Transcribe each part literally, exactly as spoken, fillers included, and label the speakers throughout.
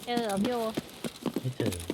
Speaker 1: เจอเหรอพี่โอ
Speaker 2: ไม่เจอ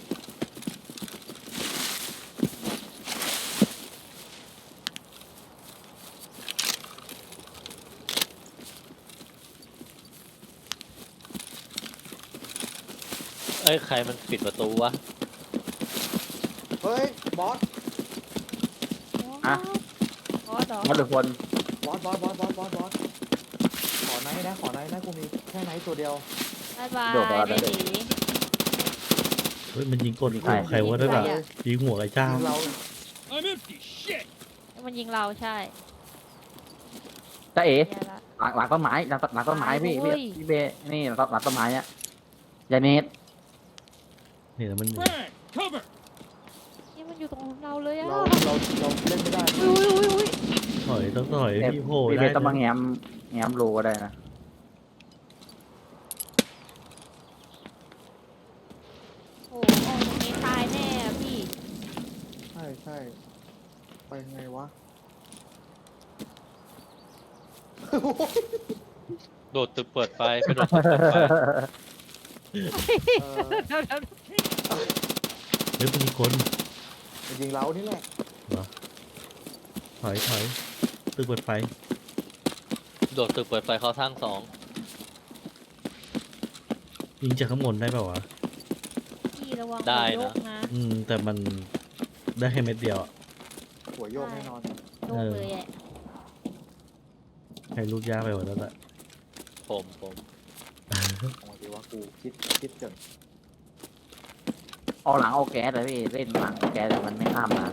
Speaker 3: เอ้ยใครมันปิดประตูวะ
Speaker 4: เฮ้ยบอส
Speaker 1: อะบอสเหรอ
Speaker 5: มอสหรือคน
Speaker 4: บอสบอสบอสบอสบอสบอสขอไนท์นะขอไนท์นะกูมีแค่ไนท์ตัวเดียว
Speaker 1: บายบายได้ดี
Speaker 2: เฮ้ยมันยิงกดหัวใครวะนั่นอ่ะยิงหัวไอ้เจ้า
Speaker 4: ยิงเรา
Speaker 6: I'm empty. Shit.
Speaker 1: มันยิงเราใช่
Speaker 5: จ้าเอ๋
Speaker 1: แย่ละ
Speaker 5: หลังหลังต้นไม้หลังหลังต้นไม้พี่
Speaker 1: โอ้
Speaker 5: พี่
Speaker 1: ย
Speaker 5: พี่เบนี่หลังหลังต้นไม้เนี่ยยาเนส
Speaker 2: เนี่ยมัน
Speaker 6: Frag. Cover.
Speaker 1: นี่มันอยู่ตรงเราเลยอะ
Speaker 4: เราเราเราเล่นไม่ได้
Speaker 1: อุ้ยอุ้ยอุ้ย
Speaker 2: ถอยต้องถอยพี่โผล่
Speaker 5: พี่เบ
Speaker 2: ได้
Speaker 5: ต้องมา
Speaker 2: นะ
Speaker 5: แง้มแง้มรูก็ได้นะ
Speaker 1: โอ้โหตรงนี้ตายแน่อะพี่
Speaker 4: ใช่ใช่ไปไงวะ
Speaker 3: โดดตึกเปิดไฟไปโดดตึกเปิดไฟ
Speaker 4: เออ
Speaker 2: เฮ้ยมันยิงคน
Speaker 4: มันยิงเรานี่แหละ
Speaker 2: ถอยถอยตึกเปิดไฟ
Speaker 3: โดดตึกเปิดไฟเขาสร้างสอง
Speaker 2: ยิงจากข้างบนได้เปล่าวะ
Speaker 1: พี่ระวัง
Speaker 3: ได้
Speaker 1: หัวโย
Speaker 3: นะ
Speaker 1: กนะ
Speaker 2: อืมแต่มันได้แค่เม็ดเดียวอะ
Speaker 4: หัวโยกแน่นอน
Speaker 1: โยกเลยอะ
Speaker 2: ใครลูกยากไปกว่านั้นแหละ
Speaker 3: ผมผม
Speaker 4: เอาดีว่ากูคิดคิดเกิน
Speaker 5: เอาหลังเอาแก๊สเลยพี่เล่นหลังเอาแก๊สแต่มันไม่ข้ามมา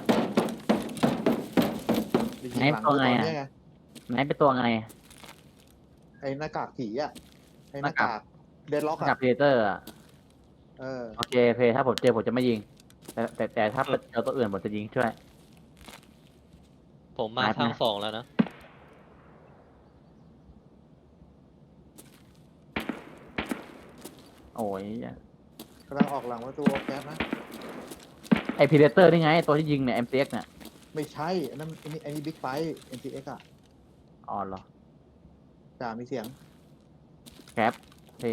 Speaker 4: จริงๆหลังกูตอนเนี้ยไง
Speaker 5: ไหนเป็นตัวไง
Speaker 4: ไอ้หน้ากากผีอ่ะไอ้หน้ากากเดดล็อก
Speaker 5: กับ
Speaker 4: อ่ะ
Speaker 5: เพเตอร์อะ
Speaker 4: เออ
Speaker 5: โอเคเพถ้าผมเจอผมจะไม่ยิง แต่แต่แต่ถ้าเจอตัวอื่นผมจะยิงช่วย
Speaker 3: ผมมา
Speaker 5: หายไป
Speaker 3: สร้างสองแล้วนะ
Speaker 5: โอ้ย
Speaker 4: กำลังออกหลังประตูแก๊สนะ
Speaker 5: ไอพีเดเตอร์นี่ไงตัวที่ยิงเนี่ย เอ็ม ซี เอ็กซ์ เนี่ย
Speaker 4: ไม่ใช่อันนั้นอันนี้อันนี้บิ๊กไฟท์ เอ็น ที เอ็กซ์ อ่ะ
Speaker 5: อ๋อเหรอ
Speaker 4: จ่ามีเสียง
Speaker 5: แคปพี่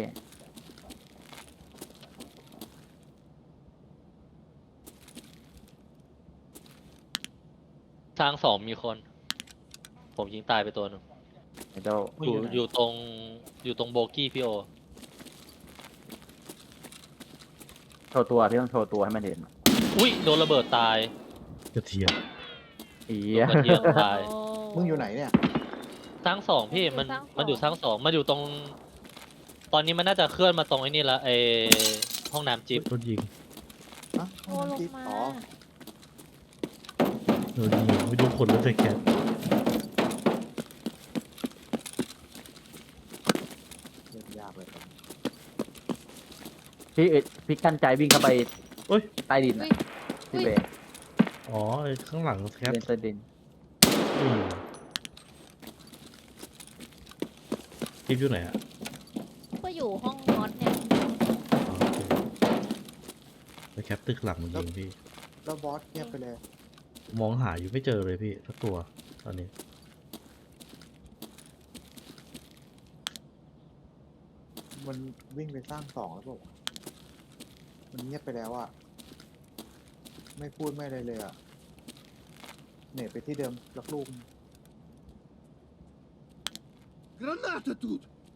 Speaker 3: สร้างสองมีคน ผมยิงตายไปตัวหนึ่ง
Speaker 5: ไอเจ้า
Speaker 3: อยู่อยู่ตรงอยู่ตรงโบกี้พี่โอ
Speaker 5: โชว์ตัวพี่ต้องโชว์ตัวให้มันเห็น
Speaker 3: อุ้ยโดนระเบิดตาย
Speaker 2: กระเทียม
Speaker 5: อี
Speaker 3: โดนกระเทียมตาย
Speaker 4: มึงอยู่ไหนเนี่ย
Speaker 3: สร้างสองพี่มันมันอยู่สร้างสองมันอยู่ตรง ตอนนี้มันน่าจะเคลื่อนมาตรงไอ้นี่ละไอห้องน้ำจิ๊บ
Speaker 2: โดนยิง
Speaker 4: ฮะ
Speaker 1: โอ้ลงมา
Speaker 4: อ๋อ
Speaker 2: โดนยิงไม่ดูคนแล้วแต่แก
Speaker 4: เล่นยากเลย
Speaker 5: พี่เอ็ดพี่กั้นใจวิ่งเข้าไป
Speaker 2: เอ้ย
Speaker 5: ใต้ดิน
Speaker 1: อุ้
Speaker 5: อะ
Speaker 1: ย
Speaker 5: พี่เบย์
Speaker 2: อ๋อไอ้ข้างหลังแคป
Speaker 5: เดินใต้ดิน
Speaker 2: อืมคลิปอยู่ไหนอะ
Speaker 1: ก็อยู่ห้องนอนเนี่ย
Speaker 2: อ๋อโอเคไปแคปตึกหลังมันยิงพี่
Speaker 4: แล้วบอสเงียบไปเลย
Speaker 2: มองหาอยู่ไม่เจอเลยพี่สักตัวตอนนี้
Speaker 4: มันวิ่งไปสร้างสองแล้วบอกมันเงียบไปแล้วอ่ะ ไม่พูดไม่อะไรเลยอ่ะ เน็ตไปที่เดิมลักลูก
Speaker 6: Граната тут.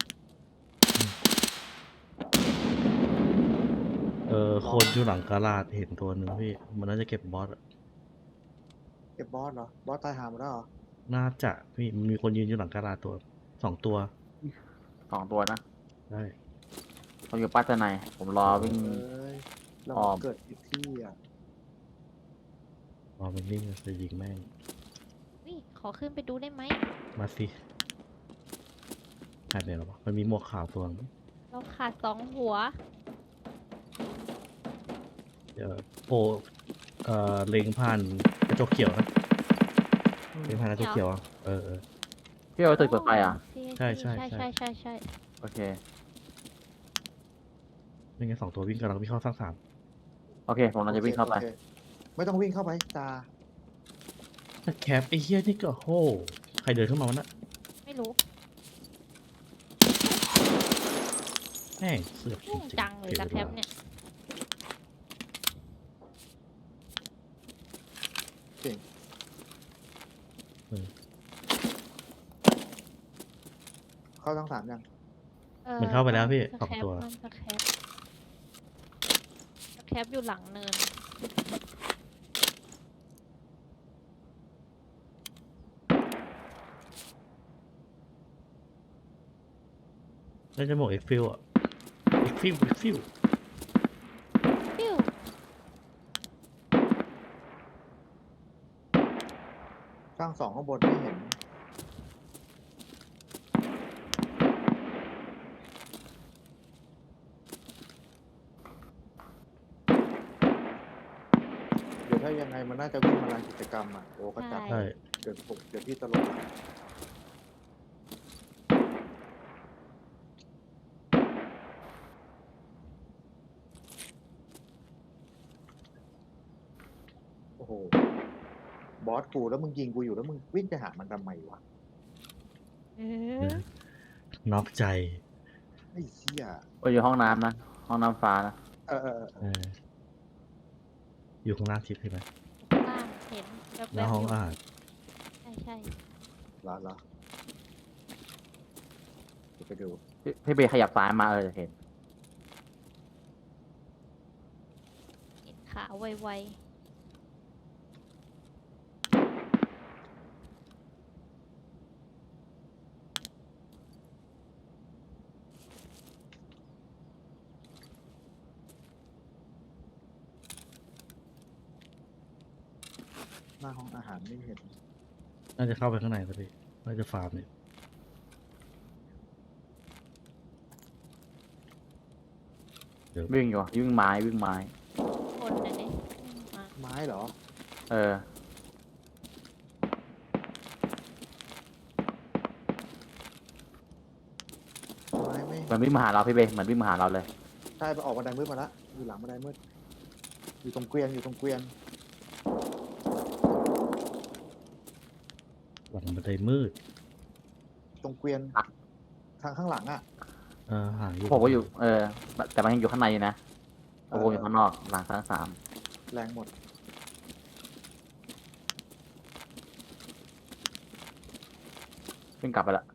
Speaker 2: เออคนอยู่หลังกาลาดเห็นตัวหนึ่งพี่ มันน่าจะเก็บบอสอะ
Speaker 4: เก็บบอสเหรอ บอสตายหาหมดแล้วเหรอ
Speaker 2: น่าจะพี่มันมีคนยืนอยู่หลังกาลาดตัวสองตัว
Speaker 5: สองตัวนะ
Speaker 2: ได้
Speaker 5: ผมอยู่ปัตตานีผมรอวิ่ง
Speaker 4: เอ้ยเรา
Speaker 5: อ้อม
Speaker 4: เกิดผิดที่อ่ะ
Speaker 2: รอมันนิ่งจะยิงแม่ง
Speaker 1: นี่ขอขึ้นไปดูได้ไหม
Speaker 2: มาสิหายไปแล้ววะมันมีหมวกขาวตัวนึง
Speaker 1: เราขาดสองหัว
Speaker 2: เดี๋ยวโปรเอ่อเล็งผ่านกระจกเขียวนะเล็งผ่านกระจกเขียวอะเออเออ
Speaker 5: พี่เอาตึกเปิดไฟอ่ะ
Speaker 2: ใช่ใช่
Speaker 1: ใช่
Speaker 2: ใช่
Speaker 1: ใช่ใช่ใช่
Speaker 5: โอเค
Speaker 2: ไม่งั้นสองตัววิ่งกันเราวิ่งเข้าสร้างสาม
Speaker 5: โอเค ผมเราจะวิ่งเข้าไป
Speaker 4: โอคไม่ต้องวิ่งเข้าไปจ่า
Speaker 2: แต่แคปไอ้เหี้ยนี่ก็โหใครเดินเข้ามาวะน่ะ
Speaker 1: ไม่รู้
Speaker 2: แม่งเสือกจ
Speaker 1: ยุ่ง
Speaker 2: ริง
Speaker 1: จัง
Speaker 2: ๆ
Speaker 1: เลย
Speaker 2: เจ
Speaker 1: ตะ
Speaker 2: อ
Speaker 1: แค
Speaker 2: แล้
Speaker 1: ป
Speaker 2: ว
Speaker 1: เนี่ย
Speaker 4: เก่ง เข้าทั้งสามยัง
Speaker 1: ออ
Speaker 2: มันเข้าไปแล้วพี่
Speaker 1: ตะ
Speaker 2: สอง
Speaker 1: แคป
Speaker 2: ตัว
Speaker 1: มันตะแคปตะแคปอยู่หลังเนิน
Speaker 2: น่าจะหมวกเอ็กฟิลอะเอ็กฟิลเอ็กฟิล
Speaker 1: ปิ้ว
Speaker 4: สร้างสองข้างบนไม่เห็น เดี๋ยวถ้ายังไงมันน่าจะวิ่งมาลานกิจกรรมอ่ะ โอ้ก็จัด
Speaker 2: ใช่
Speaker 4: เดี๋ยวผมเดี๋ยวพี่ตลกโอ้โห บอสกูแล้วมึงยิงกูอยู่แล้วมึงวิ่งไปหามันทำไมวะ
Speaker 1: เออ
Speaker 2: น็อกใจ
Speaker 4: ไอ้เชี่ย
Speaker 5: โอ้ยอยู่ห้องน้ำนะ ห้องน้ำฟ้านะ
Speaker 4: เออเออเออ
Speaker 2: เออ อยู่ข้างล่างทิพย์ใช่ไหม
Speaker 1: ข้างล่างเห็นแวบๆ
Speaker 2: หน้าห้อง
Speaker 1: ยู่
Speaker 2: อาหาร
Speaker 1: ใช่ใช่
Speaker 4: เหรอเหรอเดี๋ยวไปดู
Speaker 5: พี่พี่เบย์ขยับซ้ายมาเออจะเห็น
Speaker 1: เห็นขาไว
Speaker 4: หน้าห้องอาหารไม่เห็น
Speaker 2: น่าจะเข้าไปข้างในแล้วพี่น่าจะฟาร์มเนี่ย
Speaker 5: วิ่งอยู่วิ่งไม้วิ่งไม้
Speaker 1: ๆคนน่ะเนี่ยมา
Speaker 4: ไม้เหรอ
Speaker 5: เออ
Speaker 4: ไม้ไม่
Speaker 5: เหมือนวิ่งมาหาเราพี่เบย์เหมือนวิ่งมาหาเราเลย
Speaker 4: ใช่ไปออกบันไดมืดมาละอยู่หลังบันไดมืด อยู่ตรงเกวียนอยู่ตรงเกวียน
Speaker 2: หลังบันไดมืด
Speaker 4: ตรงเกวียน
Speaker 5: อ่ะ
Speaker 4: ทางข้างหลังอ่ะ
Speaker 2: เออหาอยู่
Speaker 5: ผมก็อยู่ เออ แต่มันยังอยู่ข้างในอยู่นะผมอยู่ข้างนอกหลังทั้งสาม
Speaker 4: แรงหมด
Speaker 5: วิ่งกลับไปละ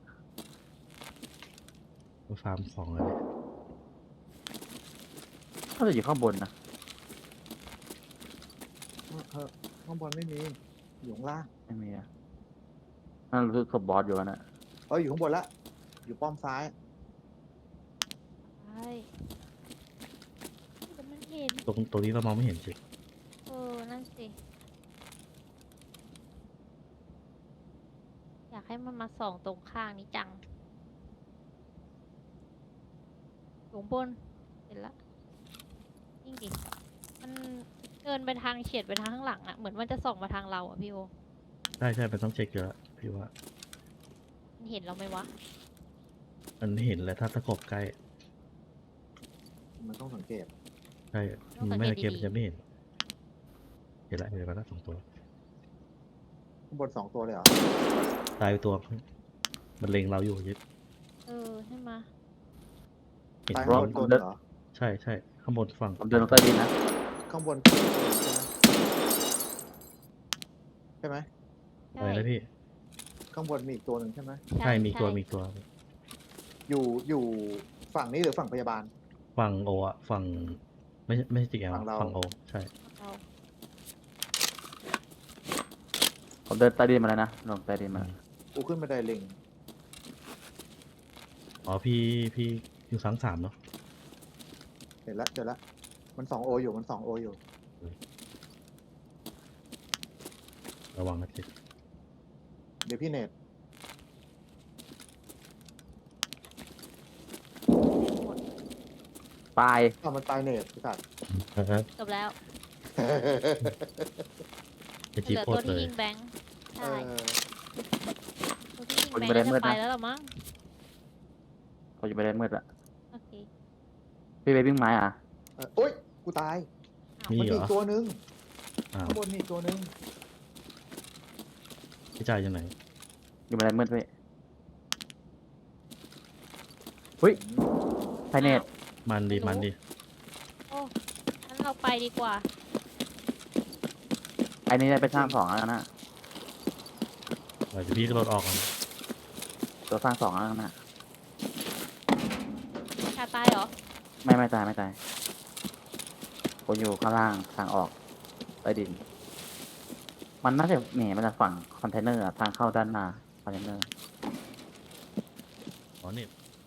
Speaker 2: ไปฟาร์มของอะไรเนี่ย
Speaker 5: ก็จะอยู่ข้างบนนะ
Speaker 4: เออข้างบนไม่มี อยู่ข้างล่าง
Speaker 5: ไม่มีอะนั่นรู้สึกศพบอสอยู่แล้วนะ
Speaker 4: เอออยู่ข้างบนละ อยู่ป้อมซ้าย
Speaker 1: ใช่แต่มันเห็น
Speaker 2: ตรงตรงนี้เรามองไม่เห็นสิ
Speaker 1: เออ นั่นสิ อยากให้มันมาส่องตรงข้างนี้จังอยู่ข้างบนเห็นละยิ่งดิมันเดินไปทางเฉียดไปทางข้างหลังอะเหมือนมันจะส่องมาทางเราอะพี่โอ
Speaker 2: ใช่ใช่มันต้องเช็คเยอะพี่ว่า
Speaker 1: มันเห็นเราไหมวะ
Speaker 2: มันเห็นแล้วถ้าตะกบใกล้
Speaker 4: มันต้องสังเกต
Speaker 2: ใช่
Speaker 1: ต้อง
Speaker 2: มัน
Speaker 1: สัง
Speaker 2: ไม่
Speaker 1: เกต
Speaker 2: ตะเกียบ
Speaker 1: ดีๆ
Speaker 2: มันจะไม่เห็น เห็นละเห็นแล้วสองตัว
Speaker 4: ข้างบนสองตัวเลยเหรอ
Speaker 2: ตายไปตัวมันเล็งเราอยู่ยึด
Speaker 1: เออใช่ไหม
Speaker 2: เห็น
Speaker 4: ตาย
Speaker 2: ว่า
Speaker 4: ข้างบนตัวหนึ่งเหรอ
Speaker 2: ใช่ใช่ข้างบนฝั่ง
Speaker 5: ผมเดินลงใต้ดินนะ
Speaker 4: ข้างบนตัวหนึ่งใช่ไหมใช่ไหม
Speaker 2: อะไรนะพี่
Speaker 4: ข้างบนมีอีกตัวหนึ่งใช่ไหม
Speaker 2: ใช่มีตัวมีตัว
Speaker 4: อยู่อยู่ฝั่งนี้หรือฝั่งพยาบาล
Speaker 2: ฝั่งโออะฝั่งไม่ใช่ไม่ใช่จิกแอล
Speaker 4: ฝั่งเรา
Speaker 2: ฝั่งโอใช่
Speaker 1: เรา
Speaker 5: ผมเดินใต้ดินมาแล้วนะลงใต้ดินมา
Speaker 4: กูขึ้นบันไดลิง
Speaker 2: อ๋อพี่พี่อยู่สังสามเนาะ
Speaker 4: เห็นละเจอละ มันสองโออยู่มันสองโออยู่
Speaker 2: ระวังนะจิ
Speaker 4: เดี๋ยวพี่เนต
Speaker 1: หมด
Speaker 5: ตาย
Speaker 4: อ้าวมันตายเนตพี่สัตว์
Speaker 2: นะครับ
Speaker 1: จบแล้ว
Speaker 2: จะ
Speaker 1: เห
Speaker 2: จี
Speaker 1: ลือ
Speaker 2: โพ
Speaker 1: ตัว
Speaker 2: ดเล
Speaker 1: ที่
Speaker 2: ย
Speaker 1: ยิงแบงค์
Speaker 4: เอ
Speaker 1: ใช่
Speaker 4: อ
Speaker 1: ตัวที่ยิงแบงค์น่าจะไปแล้วหรอมั้ง
Speaker 5: เขาจะไปได้มืดละ
Speaker 1: โอเค
Speaker 5: พี่เบย์วิ่งไม้อ่ะ
Speaker 4: เออโอ๊ย กูตาย
Speaker 2: มี
Speaker 4: มัน
Speaker 2: เหร
Speaker 4: มี
Speaker 2: อ
Speaker 4: อีกตัวหนึ่ง
Speaker 2: อ้าว
Speaker 4: ข้างบนมีอีกตัวหนึ่ง
Speaker 2: พี่จ่ายยังไง
Speaker 5: อยู่ไปได้มืดพี่เฮ้ยไพเนต
Speaker 2: มันดีมันดี
Speaker 1: โอ้งั้นเราไปดีกว่า
Speaker 5: ไอ้นี่ได้ไปสร้างสองแล้วนะ
Speaker 2: เดี๋ยวพี่ก็ลดออกก่อน
Speaker 5: ตัวสร้างสองแล้วนะ
Speaker 1: ชาตายเหรอ
Speaker 5: ไม่ไม่ตายไม่ตายผมอยู่ข้างล่างทางออกใต้ดิน มันน่าจะหนีมาจากฝั่งคอนเทนเนอร์อะทางเข้าด้านหน้าคอนเทนเนอร์
Speaker 2: อ๋อนี่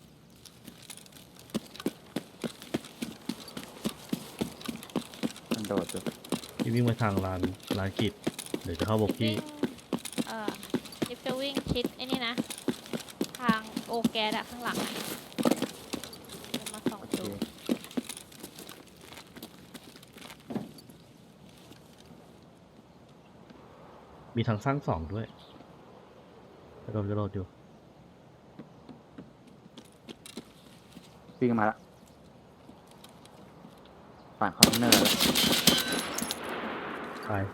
Speaker 5: มันโดดอยู่
Speaker 2: พี่วิ่งไปทางลานลานกิจเดี๋ยวจะเข้าบก
Speaker 1: วิ่
Speaker 2: กี้
Speaker 1: ง เอ่อลิฟต์จะวิ่งชิดไอ้นี่นะ ทางโอแกสอะข้างหลังอะจะมาส่อง
Speaker 5: โอเค
Speaker 1: ดู
Speaker 2: มีทางสร้างสองด้วยกระโดดกระโดดอยู่
Speaker 5: วิ่งมาละฝั่งคอนเทนเนอร์
Speaker 2: ตาย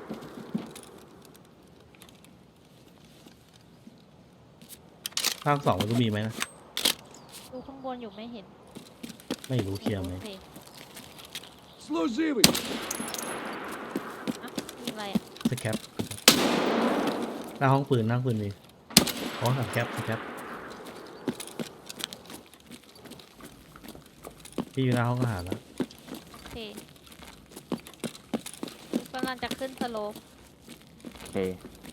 Speaker 2: สร้างสองมันก็มีไหมนะ
Speaker 1: ดูข้างบนอยู่ไม่เห็น
Speaker 2: ไม่รู้เคลียร์ไหม
Speaker 1: โอเค
Speaker 6: Служивый!
Speaker 1: อ่ะมีอะไรอ่ะ
Speaker 2: สแคปหน้าห้องปืนหน้าห้องปืนมีอ๋อสแคปสแคปพี่อยู่หน้าห้องอาหารแล้ว
Speaker 1: โอเคกำลังจะขึ้นสโลป
Speaker 5: โอเค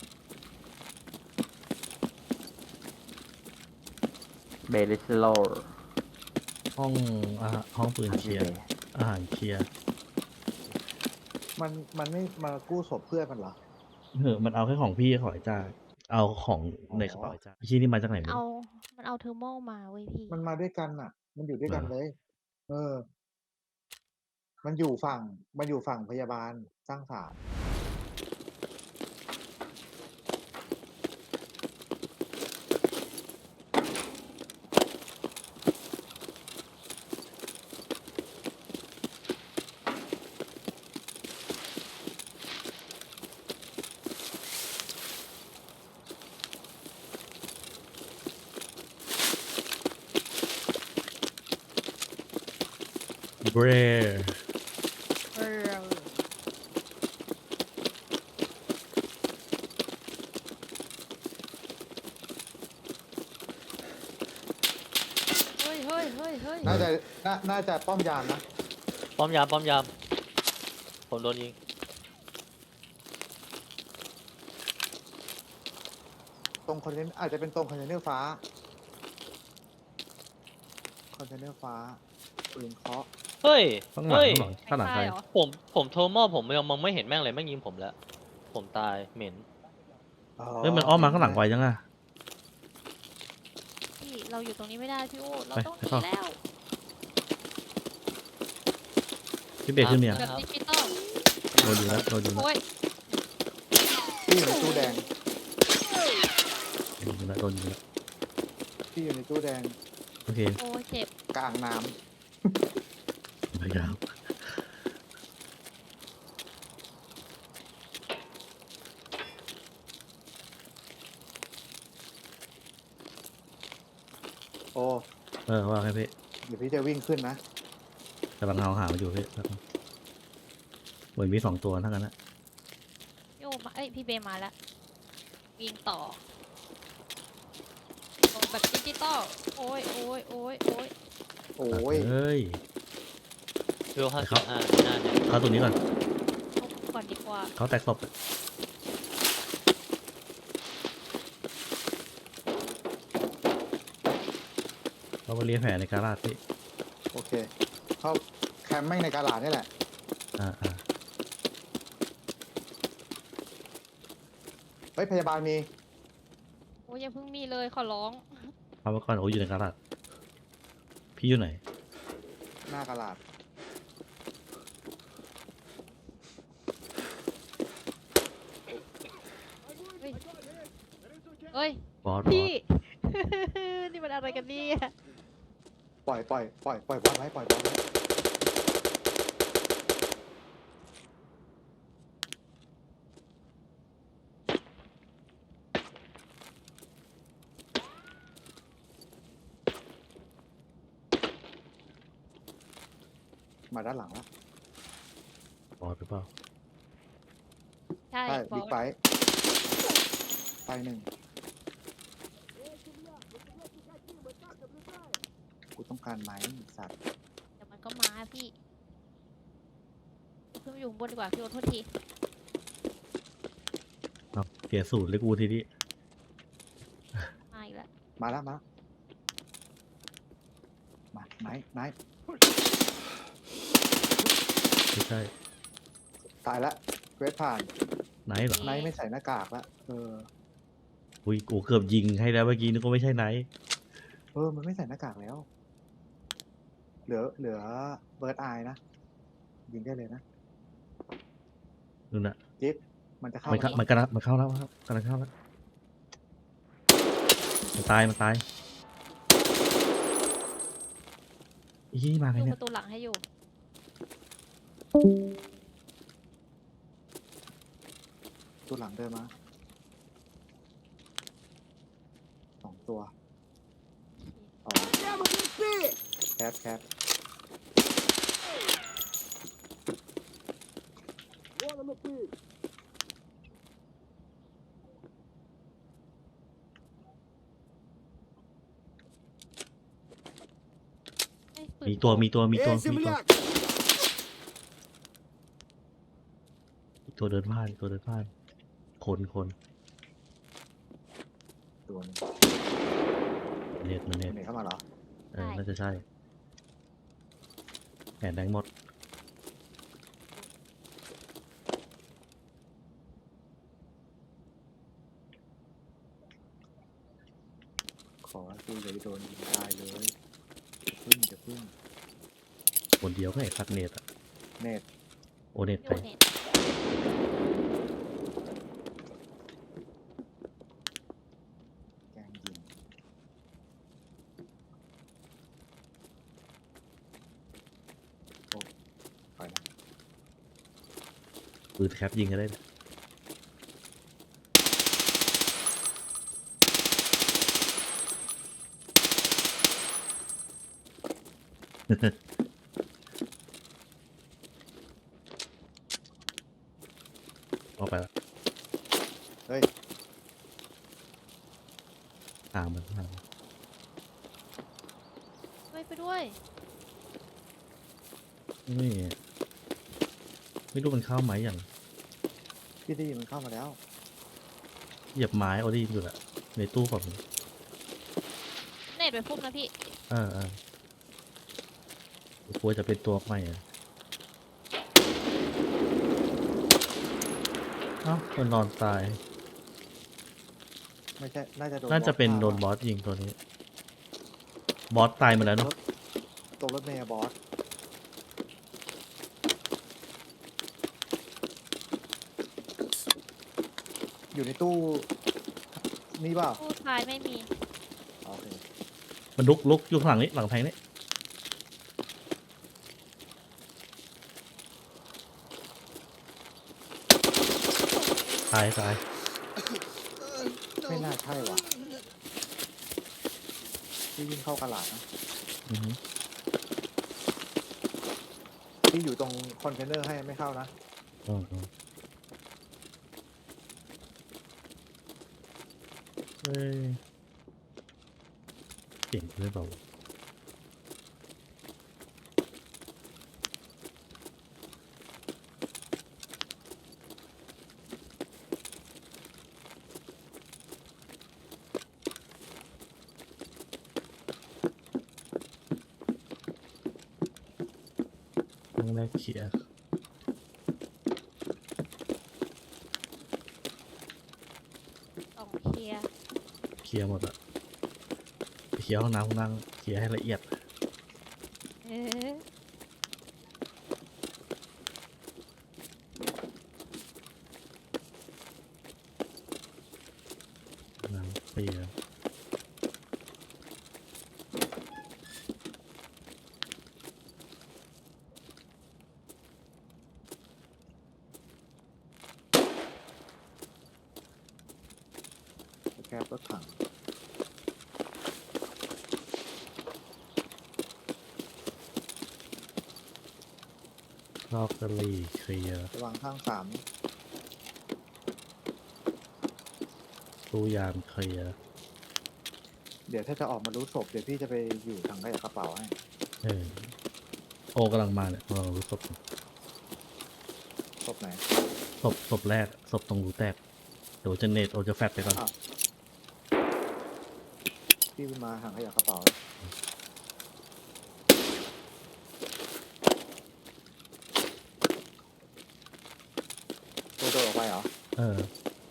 Speaker 5: เบลิสโล
Speaker 2: ห้องอาหารห้องปืนเคลียร์อาหารเคลียร์
Speaker 4: มันมันไม่มากู้ศพเพื่อนมันเหรอ
Speaker 2: เออมันเอาแค่ของพี่ของไอ้จ้าเอาของในกระเป๋าไอ้จ้าพี่นี่มาจากไหนไม่
Speaker 1: เอา
Speaker 2: รู้
Speaker 1: มันเอาเทอร์โมมาเว้ยพี่
Speaker 4: มันมาด้วยกันอ่ะ มันอยู่ด้วยกัน
Speaker 2: เหรอ
Speaker 4: เลย เออ มันอยู่ฝั่ง มันอยู่ฝั่งพยาบาลสร้างสรรค์
Speaker 2: เบร
Speaker 1: เออเฮ้ยเฮ้ยเฮ้ยเฮ้ย
Speaker 4: น่าจะน่าน่าจะป้อมยามนะ
Speaker 3: ป้อมยามป้อมยามผมโดนยิง
Speaker 4: ตรงคอนเทนอาจจะเป็นตรงคอนเทนเนอร์ฟ้า คอนเทนเนอร์ฟ้าปืนเคาะ
Speaker 3: เฮ้ย
Speaker 2: ข้างหลัง
Speaker 3: เฮ้ย
Speaker 2: ข้างหลังข้างหลังใคร
Speaker 1: ตายเหรอ
Speaker 3: ผมผมโทรมอบผมยังมองไม่เห็นแม่งเลยแม่งยิงผมแล้ว ผมตายเหม็น
Speaker 2: เฮ้ยมันอ้อมมาข้างหลังไวจังอะ
Speaker 1: พี่เราอยู่ตรงนี้ไม่ได้พี่โอ้เรา
Speaker 2: ไป
Speaker 1: ต้องห
Speaker 2: ไป
Speaker 1: นี
Speaker 2: เข้า
Speaker 1: แล้ว
Speaker 2: พี่เบรกขึ้นเนี่ย
Speaker 1: แบบดิจิตอล
Speaker 2: โดนอยู่แล้วโดนอยู่แล้ว
Speaker 1: โอ้ย
Speaker 4: ที่อยู่ในตู้แดง
Speaker 2: โดนอยู่แล้วโดนอยู่แล้ว
Speaker 4: ที่อยู่ในตู้แดง
Speaker 2: โอเค
Speaker 1: โอ้ยเจ็บ
Speaker 4: กลางน้
Speaker 2: พยายาม
Speaker 4: ำโอ้
Speaker 2: เออว่าไงพี่
Speaker 4: เดี๋ยวพี่จะวิ่งขึ้นนะ
Speaker 2: กำลังเอาหามาอยู่พี่แป๊บนึงเหมือนมีสองตัวทั้งนั้นนะ
Speaker 1: พี่โอ้มาเอ้ยพี่เบมาแล้ววิ่งต่อลงแบบดิจิตอลโอ้ยโอ้ยโอ้ยโอ้ย
Speaker 4: โอ้ย
Speaker 2: เฮ้ย
Speaker 3: เวลห้า
Speaker 2: ไป
Speaker 3: สิ
Speaker 2: เข้า
Speaker 3: บห้าหน้าเนี่ย
Speaker 2: เข้าตัวนี้ก่อน
Speaker 1: เอาก่อนดีกว่า
Speaker 2: เขาแตกศพอะเขามาเลียแผลในการาดพี่
Speaker 4: โอเค เข้าแคมป์ไม่งในกาลาดนี่แหละ
Speaker 2: อ่าอ่า
Speaker 4: เฮ้ย พยาบาลมี
Speaker 1: โอ้ยอย่าเพิ่งมีเลยขอร้อง
Speaker 2: เอามาก่อนโอ้ยอยู่ในการาดพี่อยู่ไหน
Speaker 4: หน้ากาลาด
Speaker 1: เฮ้ย
Speaker 2: บอสบอ
Speaker 1: พี่
Speaker 2: ส
Speaker 1: นี่มันอะไรกันเนี่ย
Speaker 4: ปล่อยปล่อยปล่อยปล่อยบอลไว้ปล่อยบอลไว้มาด้านหลังแล้ว
Speaker 2: บอดหรือเปล่า
Speaker 1: ใช่
Speaker 4: ใช่
Speaker 1: บอ
Speaker 4: บิ๊ก
Speaker 1: ก
Speaker 4: ไบค์ไปหนึ่งกูต้องการไม้สัตว์
Speaker 1: เดี๋ยวมันก็มาพี่เดี๋ยวขึ้นไปอยู่ข้างบนดีกว่าพี่โอ๊ตโทษที
Speaker 2: เอาเสียสูตรเลยกูทีนี้
Speaker 1: มาอีกแล้ว
Speaker 4: มาแล้วมาแล้วมาไม้ไม้
Speaker 2: ไม่ใช่
Speaker 4: ตายละเควสผ่าน
Speaker 2: ไหนเหรอ
Speaker 4: ไนท์ไม่ใส่หน้ากากละเออ
Speaker 2: อุ้ยกูเกือบยิงให้แล้วเมื่อกี้นึกว่าไม่ใช่ไหน
Speaker 4: เออ มันไม่ใส่หน้ากากแล้ว เหลือ เหลือเบิร์ดอายนะ ยิงได้เลยนะ
Speaker 2: นู่นน่ะ
Speaker 4: จิ๊บมันจะเข้า
Speaker 2: มันเข้า
Speaker 4: มา
Speaker 2: มันกำลังมันเข้าแล้วครับกำลังเข้าแล้วมันตายมันตายอีมาไง
Speaker 1: ดู
Speaker 2: เนี่
Speaker 1: ป
Speaker 2: ย
Speaker 1: ระตูหลังให้อยู่
Speaker 4: ตัวหลังเดินมาสองตัวอ๋อแคปแคป
Speaker 1: เอ้ยปืน
Speaker 2: มีตัวมีตัวมีตัว
Speaker 6: Эй,
Speaker 2: มีตัว
Speaker 6: земляк!
Speaker 2: มีตัวเดินผ่านตัวเดินผ่านคนคน
Speaker 4: ตัวหนึง
Speaker 2: เน็ตมันเน็ต
Speaker 4: เนเข้ามาเหรอ
Speaker 2: เออน่าจะใช่แอนแดงหมด
Speaker 4: ขอให้กูอย่าไปโดนยิงตายเลยอย่าพึ่งอย่าพึ่ง
Speaker 2: คนเดียวก็ไอ้คัดเน็ตอะ
Speaker 4: เน็ต
Speaker 2: โอเน็ต
Speaker 1: โย
Speaker 2: ไป
Speaker 1: เน็ต
Speaker 4: แกล้งยิงโอ้ไปแล้ว
Speaker 2: ปืนแคปยิงก็ได้นะ ออกไปละ
Speaker 4: เฮ้ย
Speaker 2: ตามมันตามมัน
Speaker 1: ช่วยไปด้วย
Speaker 2: ไม่ไม่รู้มันเข้าไหมอย่าง
Speaker 4: พี่ดีมันเข้ามาแล้ว
Speaker 2: เหยียบไม้เอาดีอยู่แหละในตู้แบบนี้
Speaker 1: เน็ตไปพุ่มนะพี่
Speaker 2: เออเออ กลัวจะเป็นตัวใหม่อะเอ้ามันนอนตาย
Speaker 4: ไม่ใช่ น่าจะโดน
Speaker 2: น่าจะเป็น
Speaker 4: บอสฆ่
Speaker 2: โดนบอสยิงตัวนี้ บอสตายมาแล้วเนาะ
Speaker 4: ตกรถเมย์อะบอส อยู่ในตู้ นี่เปล่า
Speaker 1: ตู้ท้ายไม่มี
Speaker 4: โอเค
Speaker 2: มันลุกลุกอยู่ข้างหลังนี้หลังแพงนี้ตายตาย
Speaker 4: ไม่น่าใช่ว่ะที่วิ่งเข้ากระหลาดนะ
Speaker 2: อือหือ
Speaker 4: ที่อยู่ตรงคอนเทนเนอร์ให้ไม่เข้านะ
Speaker 2: อือหือเฮ้ยเก่งเลยเปล่าครั้งแรกเขียร์
Speaker 1: ต้องเคลียร์
Speaker 2: เคลียร์หมดอะไปเคลียร์ห้องน้ำห้องนั่งเคลียร์ให้ละเอียด
Speaker 1: เออ
Speaker 2: น้ำเคลียร์
Speaker 4: แคปรถถัง
Speaker 2: ลอกกะหรี่เคลียร์
Speaker 4: ระวังข้างสาม
Speaker 2: ตู้ยามเคลียร์
Speaker 4: เดี๋ยวถ้าจะออกมารู้ศพเดี๋ยวพี่จะไปอยู่ทางขยะกระเป๋าให้
Speaker 2: เออโอกำลังมาเนี่ยกำลังรู้ศพ
Speaker 4: ศพไหน
Speaker 2: ศพศพแรกศพตรงรูแตกเดี๋ยวจะเนตโอจะแฟดไปก่อน
Speaker 4: อ้าว พี่มาทางขยะกระเป๋าตัวโดดออกไปเหรอ
Speaker 2: เออ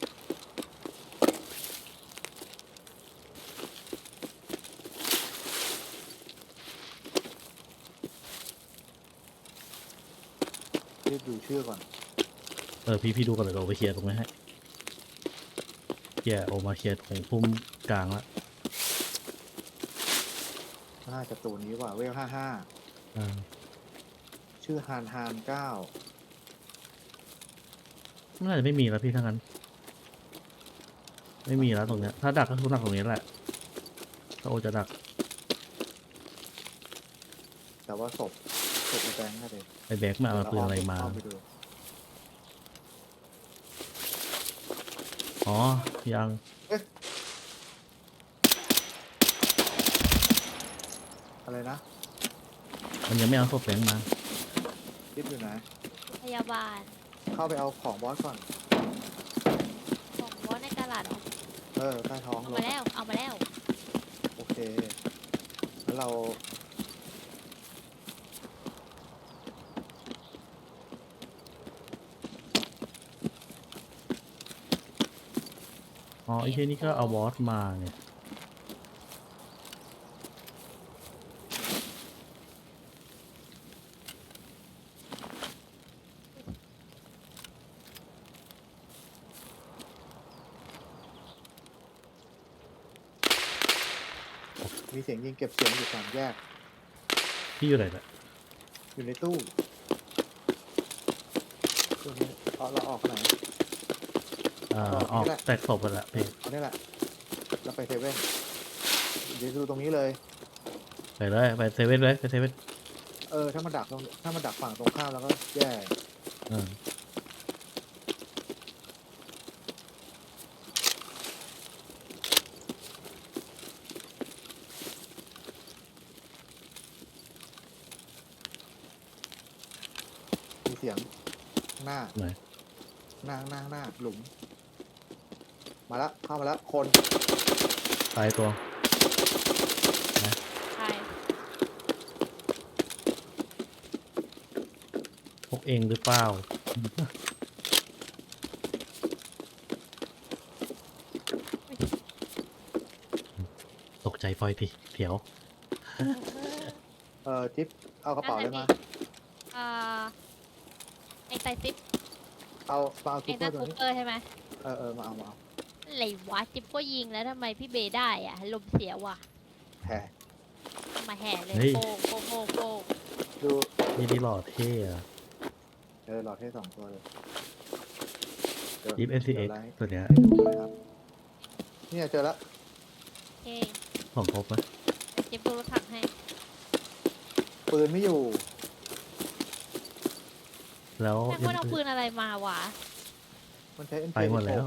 Speaker 4: รีบดูชื่อก่อน
Speaker 2: เออพี่พี่ดูก่อนเลยเราไปเคลียร์ตรงนี้ให้เคลียร์โอมาเคลียร์ของพุ่มกลางละ
Speaker 4: น่าจะตัวนี้ว่ะเวลห้าห้า
Speaker 2: อ่า
Speaker 4: ชื่อฮานฮานเก้า
Speaker 2: น่าจะไม่มีแล้วพี่ทั้งนั้น ไม่มีแล้วตรงเนี้ย ถ้าดักก็คือดักตรงนี้แหละถ้าโอจะดัก
Speaker 4: แต่ว่าศพศพไอ้แบงค์น่าจะ
Speaker 2: ไอแบกมาเอาปืนอะไรมา
Speaker 4: เไปดู
Speaker 2: อ๋อ ยัง
Speaker 4: อะไรนะ
Speaker 2: มันยังไม่เอาศพแบงค์มา
Speaker 4: รีบอยู่ไหน
Speaker 1: พยาบาล
Speaker 4: เข้าไปเอาของบอสก่อน
Speaker 1: ของวอสในตลาดเหรอ
Speaker 4: เออใต้ท้อง
Speaker 1: เอา
Speaker 4: ร
Speaker 1: มา
Speaker 4: ถ
Speaker 1: แล้วเอามาแล้ว
Speaker 4: โอเค แล้วเรา
Speaker 2: อ๋อไอ้ที่นี่ก็เอาบอสมาเนี่ย
Speaker 4: มีเสียงยิงเก็บเสียงอยู่สามแยก
Speaker 2: พี่อยู่ไหนน่ะ
Speaker 4: อยู่ในตู้ตู้นี้เอาเราออกไหน
Speaker 2: อ่า
Speaker 4: อ๋อ
Speaker 2: ออก
Speaker 4: นี่แหละ
Speaker 2: แตกศพไปละพี่
Speaker 4: เอานี่แหละเราไปเซเว่นเดี๋ยวดูตรงนี้เลย
Speaker 2: ไปเลยไปเซเว่นเลยไปเซเว่น
Speaker 4: เออ ถ้ามันดักตรงถ้ามันดักฝั่งตรงข้ามแล้วก็แย่
Speaker 2: อ่า
Speaker 4: มีเสียงหน้า
Speaker 2: ไหน
Speaker 4: หน้าหน้าหน้าหลุม มาแล้วเข้ามาแล้วคน
Speaker 2: ตายตัว
Speaker 1: ใช่
Speaker 2: พวกเองหรือเปล่า ตกใจปล่อยทีเถียว
Speaker 4: เออจิ๊บเอากระเป๋าเลยมา
Speaker 1: อ่าไอไตซิป
Speaker 4: เอามาเอา
Speaker 1: ไอ
Speaker 4: ซุปเปอ
Speaker 1: นั่
Speaker 4: ร์
Speaker 1: น
Speaker 4: ตัว
Speaker 1: คู
Speaker 4: นี้
Speaker 1: เปอร์ใช่ไหม
Speaker 4: เออเออมาเอามาเอา
Speaker 1: อะไรวะจิ๊บก็ยิงแล้วทำไมพี่เบย์ได้อะลมเสียว่ะ
Speaker 4: แผ่
Speaker 1: มาแห่เลย
Speaker 2: เฮ้ย
Speaker 1: โป้งโป้งโป้งโป้ง
Speaker 4: ดู
Speaker 2: นี่ที่หล่อเท่อะ
Speaker 4: เออหลอดให้สองตัวเลยดี๋ยว
Speaker 2: ยิป เอ็น ซี เอ็กซ์
Speaker 4: ดี๋ยวไลฟ์
Speaker 2: ตัวเนี้ย
Speaker 4: ให้ดูเลยครับเนี่ยเจอแล้ว
Speaker 1: โอเค
Speaker 2: ของครบไหม
Speaker 1: จิ๊บดูรถถังให้
Speaker 4: ปืนไม่อยู่
Speaker 2: แล้ว
Speaker 1: แม่งว่าเอาปืนอะไรมาวะ
Speaker 4: มันใช้ เอ็ม เค
Speaker 2: ไปหมดแล้ว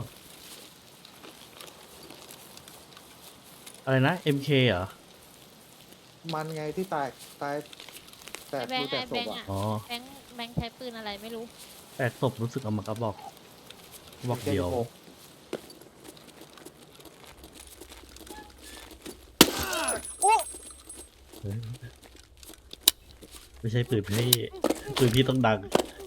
Speaker 2: อะไรนะ เอ็ม เค เหรอ
Speaker 4: มันไงที่ตายตายแต
Speaker 1: ไอก แบง
Speaker 4: ดู
Speaker 1: ค์
Speaker 4: แต
Speaker 1: ไอก
Speaker 4: ศ
Speaker 1: แบ
Speaker 4: พ
Speaker 1: งค์
Speaker 4: อ่ะ
Speaker 1: อะ
Speaker 2: อ๋อ
Speaker 1: แบงค์แบงค์ใช้ปืนอะไรไม่รู้
Speaker 2: แตกศพรู้สึกเอามากระบอกกระบอกเดียว เฮ้ยไม่ใช่ปืนพี่ปืนพี่ต้องดัง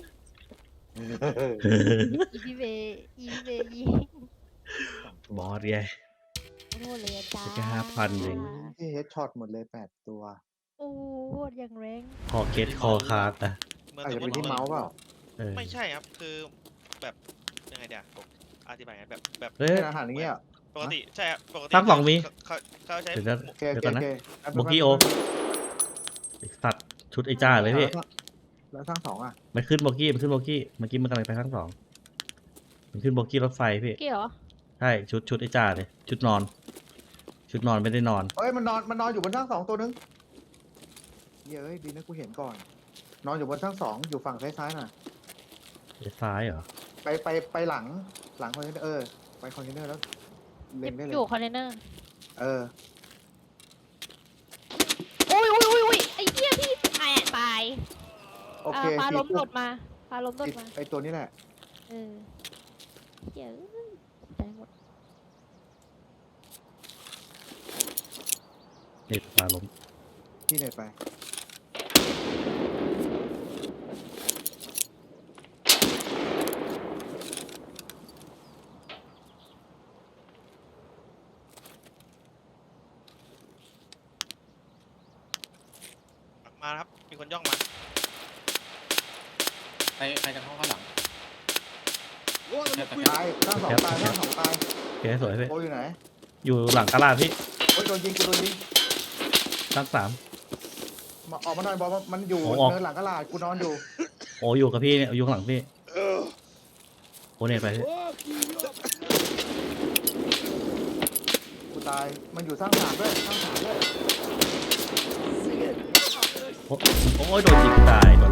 Speaker 1: อีพีเบย์อีพีเบย์ยิง
Speaker 2: บอสไง
Speaker 1: โอ้โหเลยอะจ้า
Speaker 2: แค่ห้าพันเอง
Speaker 4: ที่เฮดช็อตหมดเลยแปดตัว
Speaker 1: โอ้โหอย่างแรง
Speaker 2: คอเก็ตคอคาร์ดอะ
Speaker 7: เหมือน
Speaker 4: อาจ
Speaker 7: ส
Speaker 4: จะ
Speaker 7: มม
Speaker 4: เป็น
Speaker 7: ติ
Speaker 4: ที่เมาส์เปล่า
Speaker 2: เออ
Speaker 7: ไม่ใช่ครับ คือแบบยังไงเดี๋ยวผมอธิบายไงแบบแบบ
Speaker 2: เฮ้ย
Speaker 4: เป็นอาหารอย่างเงี้ย
Speaker 7: ปกติใช่ครับปกติ
Speaker 2: ตั้งสองวิ
Speaker 7: เขาเขาใช้
Speaker 2: เดี๋ยวนะ
Speaker 4: โอเค
Speaker 2: เดี๋
Speaker 4: โอ
Speaker 2: ยว
Speaker 4: เค
Speaker 2: ก่อนนะ
Speaker 4: โอเค
Speaker 2: โบกี้โอ ไอ้สัตว์ชุดไอ้จ้าเลยพี่
Speaker 4: แล้วทั้งสองอ่ะ
Speaker 2: มันขึ้นโบกี้มันขึ้นโบกี้เมื่อกี้มันกำลังไปข้างสองมันขึ้นโบกี้รถไฟพี่
Speaker 1: เกี่ยวเหรอ
Speaker 2: ใช่ชุดชุดไอ้จ้าเลยชุดนอน ชุดนอนไม่ได้นอน
Speaker 4: เอ้ยมันนอนมันนอนอยู่บนทั้งสองตัวนึงเย้ยดีนะกูเห็นก่อนนอนอยู่บนชั้นสองอยู่ฝั่งซ้ายๆน่ะ
Speaker 2: ซ้ายเหรอ
Speaker 4: ไปไปไปหลังหลังคอนเทนเนอร์เออไปคอนเทนเนอร์แล้วเล็งได้เล
Speaker 1: อย ยู่คอนเทนเนอร์
Speaker 4: เออ
Speaker 1: โอ้ยโอ้ยโอ้ยโอ้ยไอ้เหี้ยพี่ตายตาย
Speaker 4: โอเค
Speaker 1: าปลา
Speaker 4: พี่
Speaker 1: ล้ม
Speaker 4: ปุ๊
Speaker 1: โด
Speaker 4: บ
Speaker 1: ดมาปลาล้มโดด
Speaker 4: ไอ้
Speaker 1: มา
Speaker 4: ไอตัวนี้แหละ
Speaker 1: เออเหี้ยเอ้ยตายหมด
Speaker 2: เน็ตปลาล้ม
Speaker 4: ที่ไหนไป
Speaker 7: มาครับ มีคนย่องมา
Speaker 8: ใครใครจะเข้าข้างหลัง
Speaker 6: One on the
Speaker 4: ตายข้างสองตายข้างสองตาย
Speaker 2: โอเคสวยพี่
Speaker 4: โออยู่ไหน
Speaker 2: อยู่หลังกระลาพี่
Speaker 4: โอ้ยโดนยิงกูโดนยิง
Speaker 2: ชั้นสาม
Speaker 4: มาออกมาหน่อยบอกว่ามันอยู่
Speaker 2: โอ้ออก
Speaker 4: เนินหลังกระลาดกูนอนอยู่
Speaker 2: โอ้อยู่กับพี่เนี่ยอยู่ข้างหลังพี่โอเน็ตไปพี่
Speaker 6: Fuck you up.
Speaker 4: กูตายมันอยู่สร้างสามด้วยสร้างสามด้วย
Speaker 2: โอ้โอ้ยโดนยิงตายโด